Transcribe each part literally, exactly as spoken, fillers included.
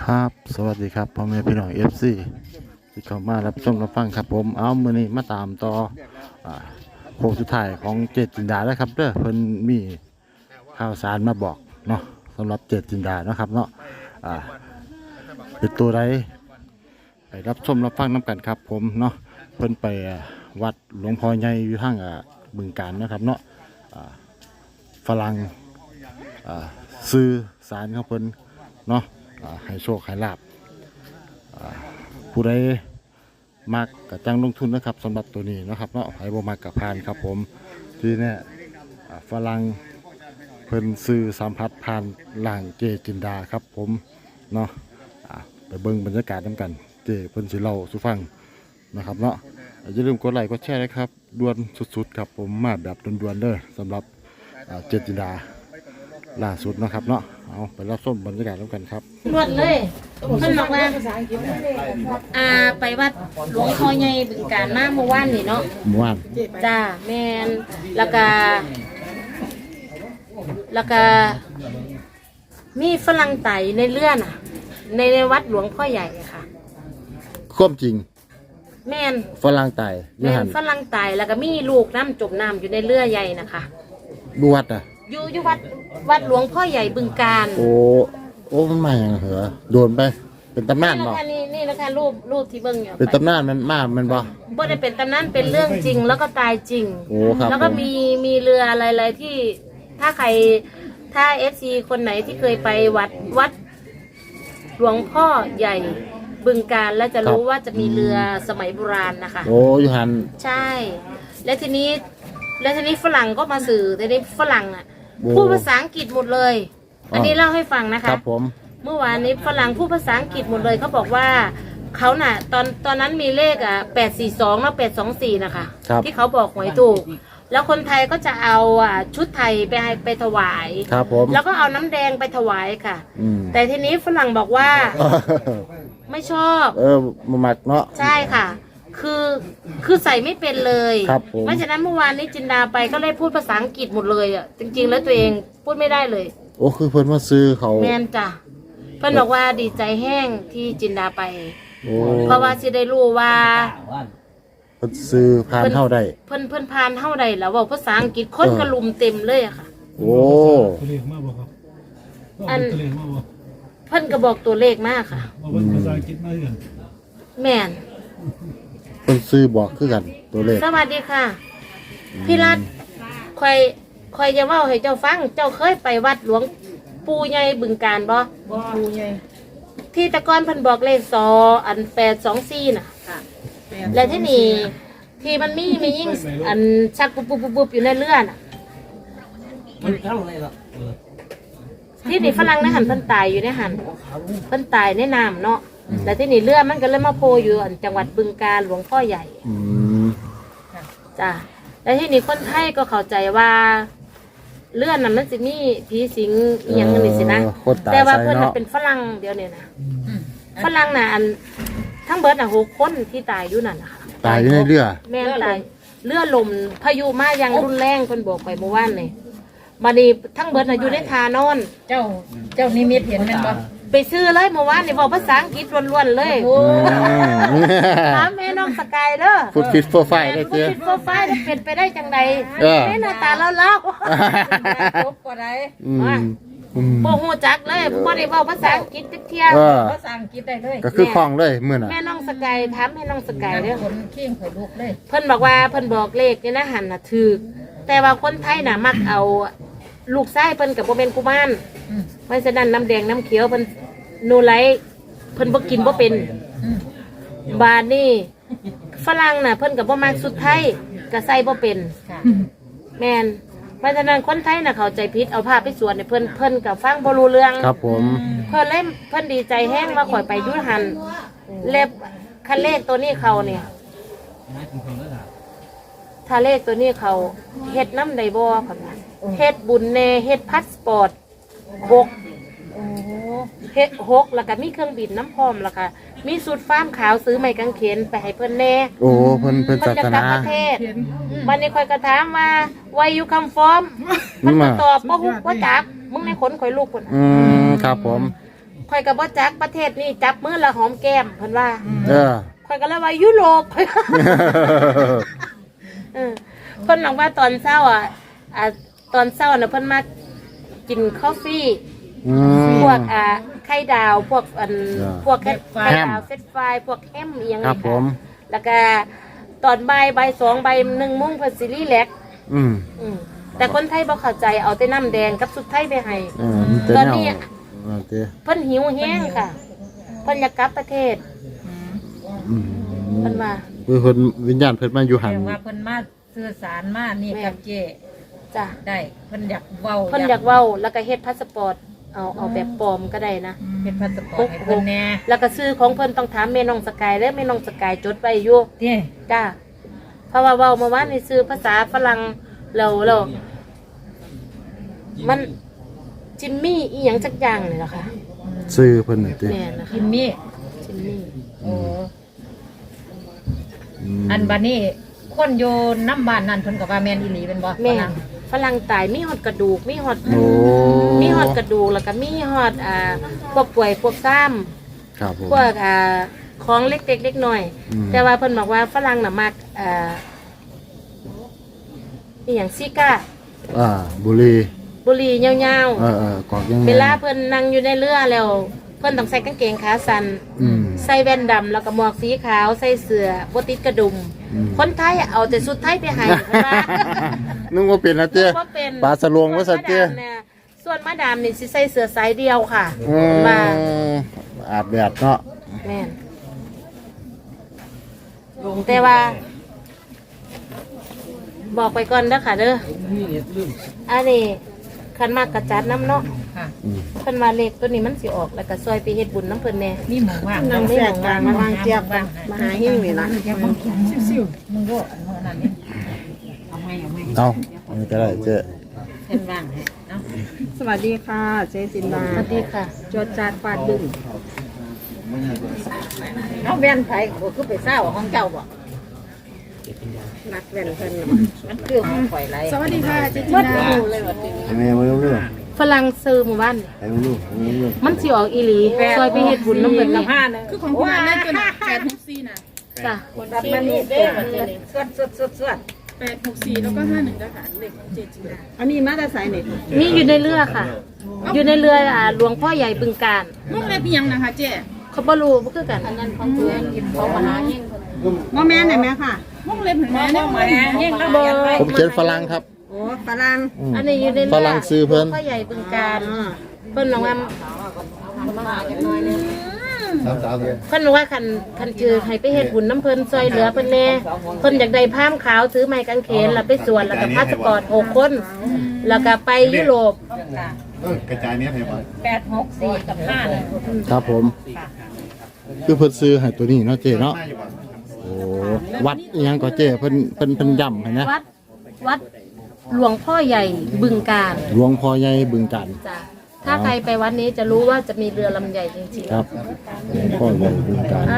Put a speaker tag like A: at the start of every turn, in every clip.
A: ครับสวัสดีครับพ่อแม่พี่น้องเอฟซีที่เข้ามารับชมรับฟังครับผมเอามือนี้มาตามต่ออ่าโค้งสุดท้ายของเจตจินดาแล้วครับเด้อเพิ่นมีข่าวสารมาบอกเนาะสำหรับเจตจินดาเนาะครับเนาะอ่าเป็นตัวใดไปรับชมรับฟังน้ำกันครับผมเนาะเพิ่นไปวัดหลวงพ่อใหญ่อยู่ทางอ่าบึงกาฬนะครับเนาะอ่าฝรั่งอ่าซื้อสารของเพิ่นเนาะให้โชคให้ลาบผู้ใดมักกับจังลงทุนนะครับสำหรับตัวนี้นะครับเนาะให้บ่มักกับพานครับผมที่เนี่ยฝรั่งเพิ่นซื้อสัมผัสผ่านหลังเจจินดาครับผมเนาะไปเบิ่งบรรยากาศน้ำกันเจเพิ่นสิเล่าสู่ฟังนะครับเนาะอย่าลืมกดไลค์กดแชร์นะครับด่วนสุดๆครับผมมาแบบด่วนๆเด้อสำหรับเจจินดาล่าสุดนะครับเนาะเอาไปรับชมบรรยากาศแล้วกันครับ
B: รวดเลยเพิ่นบอกว่าอ่าไปวัดหลวงพ่อใหญ่บึงกาฬมาเมื่อวานนี่เนาะ
A: เมื่อวาน
B: จ้าแม่นแล้วก็แล้วก็มีฝรั่งไต่ในเรือน่ะในในวัดหลวงพ่อใหญ่ค่ะ
A: ควบจริง
B: แม่น
A: ฝรั่งไต่
B: แม่นฝรั่งไต่แล้วก็มีลูกน้ำจมน้ำอยู่ในเรือใหญ่นะคะ
A: ดูวัดอ่ะ
B: อยู่อยู่วัดวัดหลวงพ่อใหญ่บึงกาฬ
A: โอ้โอ้มันมาอย่างเหรอโดนไปเป็นตำนานบ่
B: นี่นี่นะคะรูปรูปที่เบิ่งอยู่
A: เป็นตำนานมันมากมันบ่
B: บ่ได้เป็นตำนานเป็นเรื่องจริงแล้วก็ตายจริง
A: โอ้ครับ
B: แล้วก็มีมีเรืออะไรๆที่ถ้าใครถ้าเอฟซีคนไหนที่เคยไปวัดวัดหลวงพ่อใหญ่บึงกาฬแล้วจะรู้ว่าจะมีเรือสมัยโบราณนะคะ
A: โอ้ยหัน
B: ใช่และทีนี้และทีนี้ฝรั่งก็มาสื่อทีนี้ฝรั่งอ่ะพูดภาษาอังกฤษหมดเลยอันนี้เล่าให้ฟังนะคะ
A: ครับผม
B: เมื่อวานนี้ฝรั่งพูดภาษาอังกฤษหมดเลยเขาบอกว่าเขาน่ะตอนตอนนั้นมีเลขอ่ะแปดสี่สองแล้วแปดสองสี่นะคะที่เขาบอกหวยถูกแล้วคนไทยก็จะเอาอ่ะชุดไทยไปให้ไปถวาย
A: ครับผม
B: แล้วก็เอาน้ำแดงไปถวายค่ะแต่ทีนี้ฝรั่งบอกว่าไม่ชอบ
A: เออมาหมักเนาะ
B: ใช่ค่ะคือคือใส่ไม่เป็นเลยเพราะฉะนั้นเมื่อวานนี้จินดาไปก็เลยพูดภาษาอังกฤษหมดเลยอ่ะจริงๆแล้วตัวเองพูดไม่ได้เลย
A: โอ้คือเพิ่นมาซื้อเขา
B: แม่นจ้ะเพิ่นบอกว่าดีใจแห้งที่จินดาไปเพราะว่าสิได้รู้ว่า
A: เพิ่นซื้อผ่านเท่าใด
B: เพิ่นเพิ่นผ่านเท่าใดแล้วบอกภาษาอังกฤษคนกระลุมเต็มเลยอะค่ะ
A: โอ้
B: อันเพิ่นก็บอกตัวเลขมากค่ะ
C: ภาษาอังกฤษมากัน
B: แม่น
A: เพิ่นซื้อบอกคือกันตัวเลข
B: สวัสดีค่ะพี่รัตคอยคอยจะเว้าให้เจ้าฟังเจ้าเคยไปวัดหลวงปู่ใหญ่บึงกาฬบ่
D: บ่ปู่ใหญ่
B: ที่ตะกอนเพิ่นบอกเลขสออันแปดสองสี่น่ะและที่นี่ที่มันมีมียิ่งอันชักปุ๊บปุ๊บปุ๊บอยู่ในเรือน่ะที่นี่ฝรั่งในหันเพิ่นตายอยู่ในหันเพิ่นตายในน้ำเนาะแต่ที่นี่เรือมันก็เลยมาโผล่อยู่จังหวัดบึงกาฬหลวงพ่อใหญ่จ้ะแล้วที่นี่คนไทยก็เข้าใจว่าเลื่อนน่ะมันจะมีผีสิงอย่างนี้สินะแต่ว่าเพื่อนมันเป็นฝรั่งเดียวเนี่ยนะฝรั่งน่ะอันทั้งเบิร์ดน่ะหกคนที่ตายอยู่นั่นนะคะ
A: ตายอยู่ในเรือ
B: แม่ตายเรือลมพายุมายังรุนแรงคนบอกไปเมื่อวานเลยมาดีทั้งเบิร์ดน่ะอยู่ในทานอน
D: เจ้าเจ้านิมิตเห็นมันบ่
B: ไปซื้อเลยเมื่อวานนี่บอกภาษาอังกฤษล้วนๆเลยถามแม่น้องสกายเด้อ
A: ฟุตฟิตโฟร์ไฟได้
B: เจ้ฟุตฟิตโฟร์ไฟได้เป็นไปได้จังใดแม่หน้าตาเล่าเล่า
D: จบกว่าใด
B: บ่ฮู้จักเลยบ่ได้เว้าภาษาอังกฤษจักเที่ย
D: ภาษาอังกฤษได้เลย
A: ก็คือคล่องเลยมื้อน่ะ
B: แม่น้องสกายถามแม่น้องสกายเด้อ
D: คนเคียงข่อยลุกเลย
B: เพิ่นบอกว่าเพิ่นบอกเลขนี่นะหันน่ะถูกแต่ว่าคนไทยน่ะมักเอาลูกชายเพิ่นก็บ่เป็นกุมารเพราะฉะนั้นน้ำแดงน้ำเขียวเพิ่นนูไลเพิ่นบ่กินบ่เป็นบาดนี่ฝรั่งน่ะเพิ่นก็บ่มักสุดไทยก็ใส่บ่เป็นแม่นเพราะฉะนั้นคนไทยน่ะเข้าใจผิดเอาผ้าไปสวดให้เพิ่นเพิ่นก็ฟังบ่รู้เรื่อง
A: ครับผม
B: เพิ่นเลยเพิ่นดีใจแฮงมาข่อยไปอยู่หันเล็บคันเลขตัวนี้เขาเนี่ยถ้าเลขตัวนี้เขาเฮ็ดน้ำได้บ่คั่นว่าเฮ็ดบุญแน่เฮ็ดพาสปอร์ตหกโอ้เฮ็ดหกแล้วก็มีเครื่องบินน้ำพร้อมแล้วก็มีสูตรฟ้ามขาวซื้อไม้กางเขนไปให้เพิ่นแน่
A: โอ้เพิ่นเพิ่นศาสนา
B: ประเทศมันนี่ค่อยก็ถามว่า why you come from มันก็ตอบบ่ฮู้บ่จักมึงในขนข่อยลูกพุ่น
A: อืมครับผม
B: ข่อยก็บ่จักประเทศนี้จับมือละหอมแก้มเพิ่นว่า
A: เออ
B: ข่อยก็เลยว่ายุโรป เออเพิ่นบอกว่าตอนเช้าอ่ะอ่าตอนเช้าน่ะเพิ่นมากินกาแฟ
A: อืม
B: พวกอ่าไข่ดาวพวกอัน
A: อ่า
B: พวกไข่
A: แฮม
B: ไข่ดาวเฟรนช์ฟรายพวกแฮมอีหยัง
A: ครับผม
B: แล้วก็ตอนบ่ายบ่ายสองบ่ายหนึ่งโมงเพิ่นสิรีแลกซ์
A: อืม
B: อืมแต่คนไทยบ่เข้าใจเอาแต่น้ำแดงกับสุดไทยไปให้
A: เออมันเป็น
B: ตอน
A: แนว
B: นี้
A: เออเต้
B: เพิ่นหิวแห้งค่ะเพิ่นอยากกลับประเทศ
A: อืม
B: เพิ่นว่า
A: คือเพิ่นวิญญาณเพิ่นมาอยู่หัน
D: แต่ว่าเพิ่นมาสื่อสารมานี่กับเจ
B: จ้ะ
D: ได้เพิ่นอยากเว้า
B: เพิ่นอยากเว้าแล้วก็เฮ็ดพาสปอร์ตเอาเอาแบบปลอมก็ได้นะ
D: เฮ็ดพาสปอร์ตให้เพิ่นแน่
B: แล้วก็ซื้อของเพิ่นต้องถามแม่น้องสกายเด้อแม่น้องสกายจดไว้อยู่
D: เด้
B: จ้าเพราะว่าเว้าเมื่อวานนี่ซื้อภาษาฝรั่งแล้วแล้วมันจิมมี่อีหยังสักอย่างนี่แหละค่ะ
A: ซื้อเพิ่นน่ะเต้
B: แม่นะคะ
D: กินมี่
B: จิมมี่
D: โอ้
A: ม
D: อันบัดนี้คนอยู่น้ำบ้านนั่นเพิ่นก็ว่าแม่นอีหลีเป็นบ่
B: แม่
D: ฝรั่ง
B: ฝรั่งตายมีฮอดกระดูกมีฮอด
A: โอ้
B: มีฮอดกระดูกแล้วก็มีฮอดอ่าพวกป่วยพวกซ้ำ
A: ครับผม
B: พวกอ่าของเล็กๆเล็กน้อย
A: อืม
B: แต่ว่าเพิ่นบอกว่าฝรั่งน่ะมักอ่าอีหยังซิก้า
A: อ่าบุรี
B: บุหรี่ยาว
A: เออเออกอกยังไง
B: ๆเวลาเพิ่นนั่งอยู่ในเรือแล้วเพิ่นต้องใส่กางเกงขาสั้น
A: อืม
B: ใส่แว่นดำแล้วก็หมวกสีขาวใส่เสื้อบ่ติดกระดุม
A: อืม
B: คนไทยเอาแต่สุดไทยไปให้เพิ่นว่า
A: นึกว่าเป็นนะเต้
B: บ่เป็น
A: ปลาสลวงว่าสัตว์เต้
B: ส่วนมาดามเนี่ยส่วนมาดามนี่สิใส่เสื้อสายเดียวค่ะ
A: อืม
B: มา
A: อาบแดดเนาะ
B: แม่นแต่ว่า บอกไปก่อนเด้อค่ะเด้ออันนี้คันมากกระจัดน้ำเนาะ
D: ค่ะ
A: อืม
B: เพิ่นว่าเลขตัวนี้มันสิออกแล้วก็ซอยไปเฮ็ดบุญน้ำเพิ่นแน่
D: มีหมูว่าง
B: นั่งแทรกกลางมา
D: วางเจียบกันมาหาหิ้งนี่ล่ะเจียบมึงซิ่วๆมึงโดดอันนั้นนั่นนี่เอาไหมเอาไหม
A: เอาอันนี้ก็ได้เจ๊
D: เพิ่นว่างให้เนาะ
C: สวัสดีค่ะ เจจินดา
B: สวัสดีค่ะ
C: จดจาดฟาดบึ้ง
D: เอาแว่นไผก็คือไปเศร้าของเจ้าบ่
C: นักแว่นเพิ่นน่ะ
D: มันคือของข่อยไร
C: สวัสดีค่ะ เจจินดา
A: ไอ้แม่มาเร็ว
B: ฝรั่งซื้อหมู่บ้าน
A: ๆไอ้มาเร็วไอ้มาเร็ว
B: มันสิออกอีหลีซอยไปเฮ็ดบุญน้ำเพิ่น
D: กั
B: นี่
D: บห้านึง
C: คือของคุณอาเล่นตัวน่ะแปดหกสี่น่ะ
B: จ้ะ
D: รับมานี่เด้อสวดสวดสวดสวด
C: แปดหกสี่แล้วก็ห้าหนึ่งนะคะเด็กของเจจินดา อันนี้มาแต่สายเน็ต
B: มีอยู่ในเรือค่ะ อยู่ในเรืออ่าหลวงพ่อใหญ่บึงการ
C: มุกเล็บเพียงนะคะเจ๊
B: เขาบ่รู้บ่คือกันอันนั้นของเพื่อนกินของมหาเฮง
C: มอแม่ไหนแม่ค่ะมุกเล็บเห็นไหมเนี่ย
D: มาเฮงแล้ว
B: บ่
A: ผมเขียนฝรั่งครับ
C: โอ้ฝรั่ง
A: อืม
B: อันนี้อยู่ในเรือ
A: ฝรั่งซื้อเพิ่น
B: หลวงพ่อใหญ่บึงการ
C: อ่า
B: เพิ่นบอกว่า
A: สามสามเดือน
B: เพิ่นบอกว่าคันคันชื่อให้ไปเฮ็ดบุญน้ำเพิ่นซอยเหลือเพิ่นแน่เพิ่นอยากได้ผ้ามขาวถือไม้กางเขนแล้วไปสวนแล้วก็พาสปอร์ตหกคน แล้วก็ไปยุโรป
E: เออกระจายเนี้ยให้ไป
D: แปดหกสี่กับห้าหนึ่ง
A: ครับผม คือเพิ่นซื้อให้ตัวนี้เนาะเจ๊เนาะ
E: มาอยู่บ่
A: โอ้วัดอิหยังก็เจ๊เพิ่นเพิ่นเพิ่นย่ำให้นะ
B: วัดวัดหลวงพ่อใหญ่บึงการ
A: หลวงพ่อใหญ่บึงกัน
B: จ้ะถ้าใครไปวัดนี้จะรู้ว่าจะมีเรือลำใหญ่จริง
A: ครับหลวงพ่อใหญ่บึงกัน
B: ๆนะ
A: เนาะ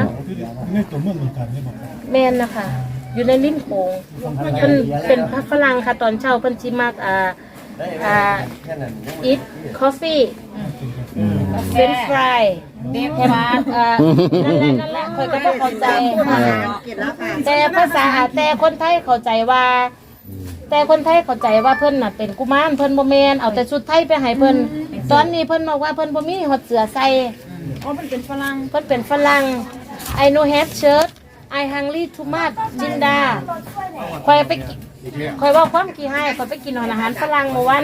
B: แม่นนะคะ อยู่ในลิ้นโขงเพิ่นเป็นพระฝรั่งค่ะตอนเช้าเพิ่นสิมักอ่าอ่า eat coffee เฟรนช์ฟรายเด็กมาอ่านั่นแหละนั่นแหละคอยก็บ่เข้าใจ
C: เก็บแล้วค่ะ
B: แต่ภาษาแต่คนไทยเข้าใจว่า แต่คนไทยเข้าใจว่าเพิ่นน่ะเป็นกุมารเพิ่นบ่แม่นเอาแต่ชุดไทยไปให้เพิ่นตอนนี้เพิ่นบอกว่าเพิ่นบ่มีฮอดเสื้อใส่
C: อ๋อมันเป็นฝรั่ง
B: เพิ่นเป็นฝรั่ง I no have shirt I hungry too much จินดาคอยไปกิคอยเว่าความขี้ให้คอยไปกินอาหารฝรั่งเมื่อวาน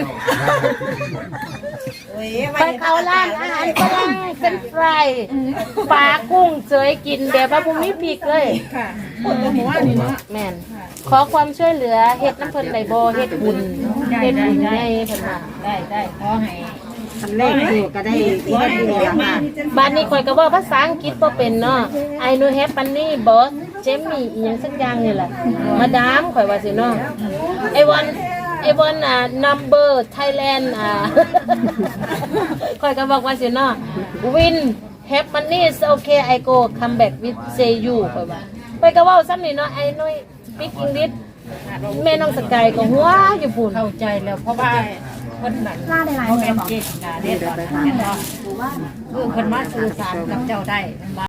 B: ไปเข้าร้านอาหารฝรั่งเป็นฟรายปลากุ้งเสยกินแบบว่าบ่มีพริกเลย
C: ค่ะคนละหมู่บ้านนี่เนาะ
B: แม่นขอความช่วยเหลือเฮ็ดน้ำเพิ่นได้บ่เฮ็ดบุญเฮ็ดบุญให้เพิ่นว่า
D: ได้ได้ขอให้
C: คันแรกอยู่ก็ได้ที่ได้ดีแล้วค่ะ
B: บ้านนี้ข่อยก็เว้าภาษาอังกฤษบ่เป็นเนาะ I know have money boss Jamie อีหยังสักอย่างนี่แหละมาดามข่อยว่าสิเนาะ I want I want a number Thailand อ่า ข่อยก็บอกว่าสิเนาะ Win have money is okay I go come back with say you ข่อยว่าข่อยก็เว้าซ้ำนี่เนาะ I know speak English แม่น้องสกายก็หัวอยู่พุ่น
D: เข้าใจแล้วเพราะว่าเพคนแบบล่าได้หลายแบบเจ็ดกาเด็ดก่อนเห็นบ่คือคนมาสื่อสารกับเจ้าได้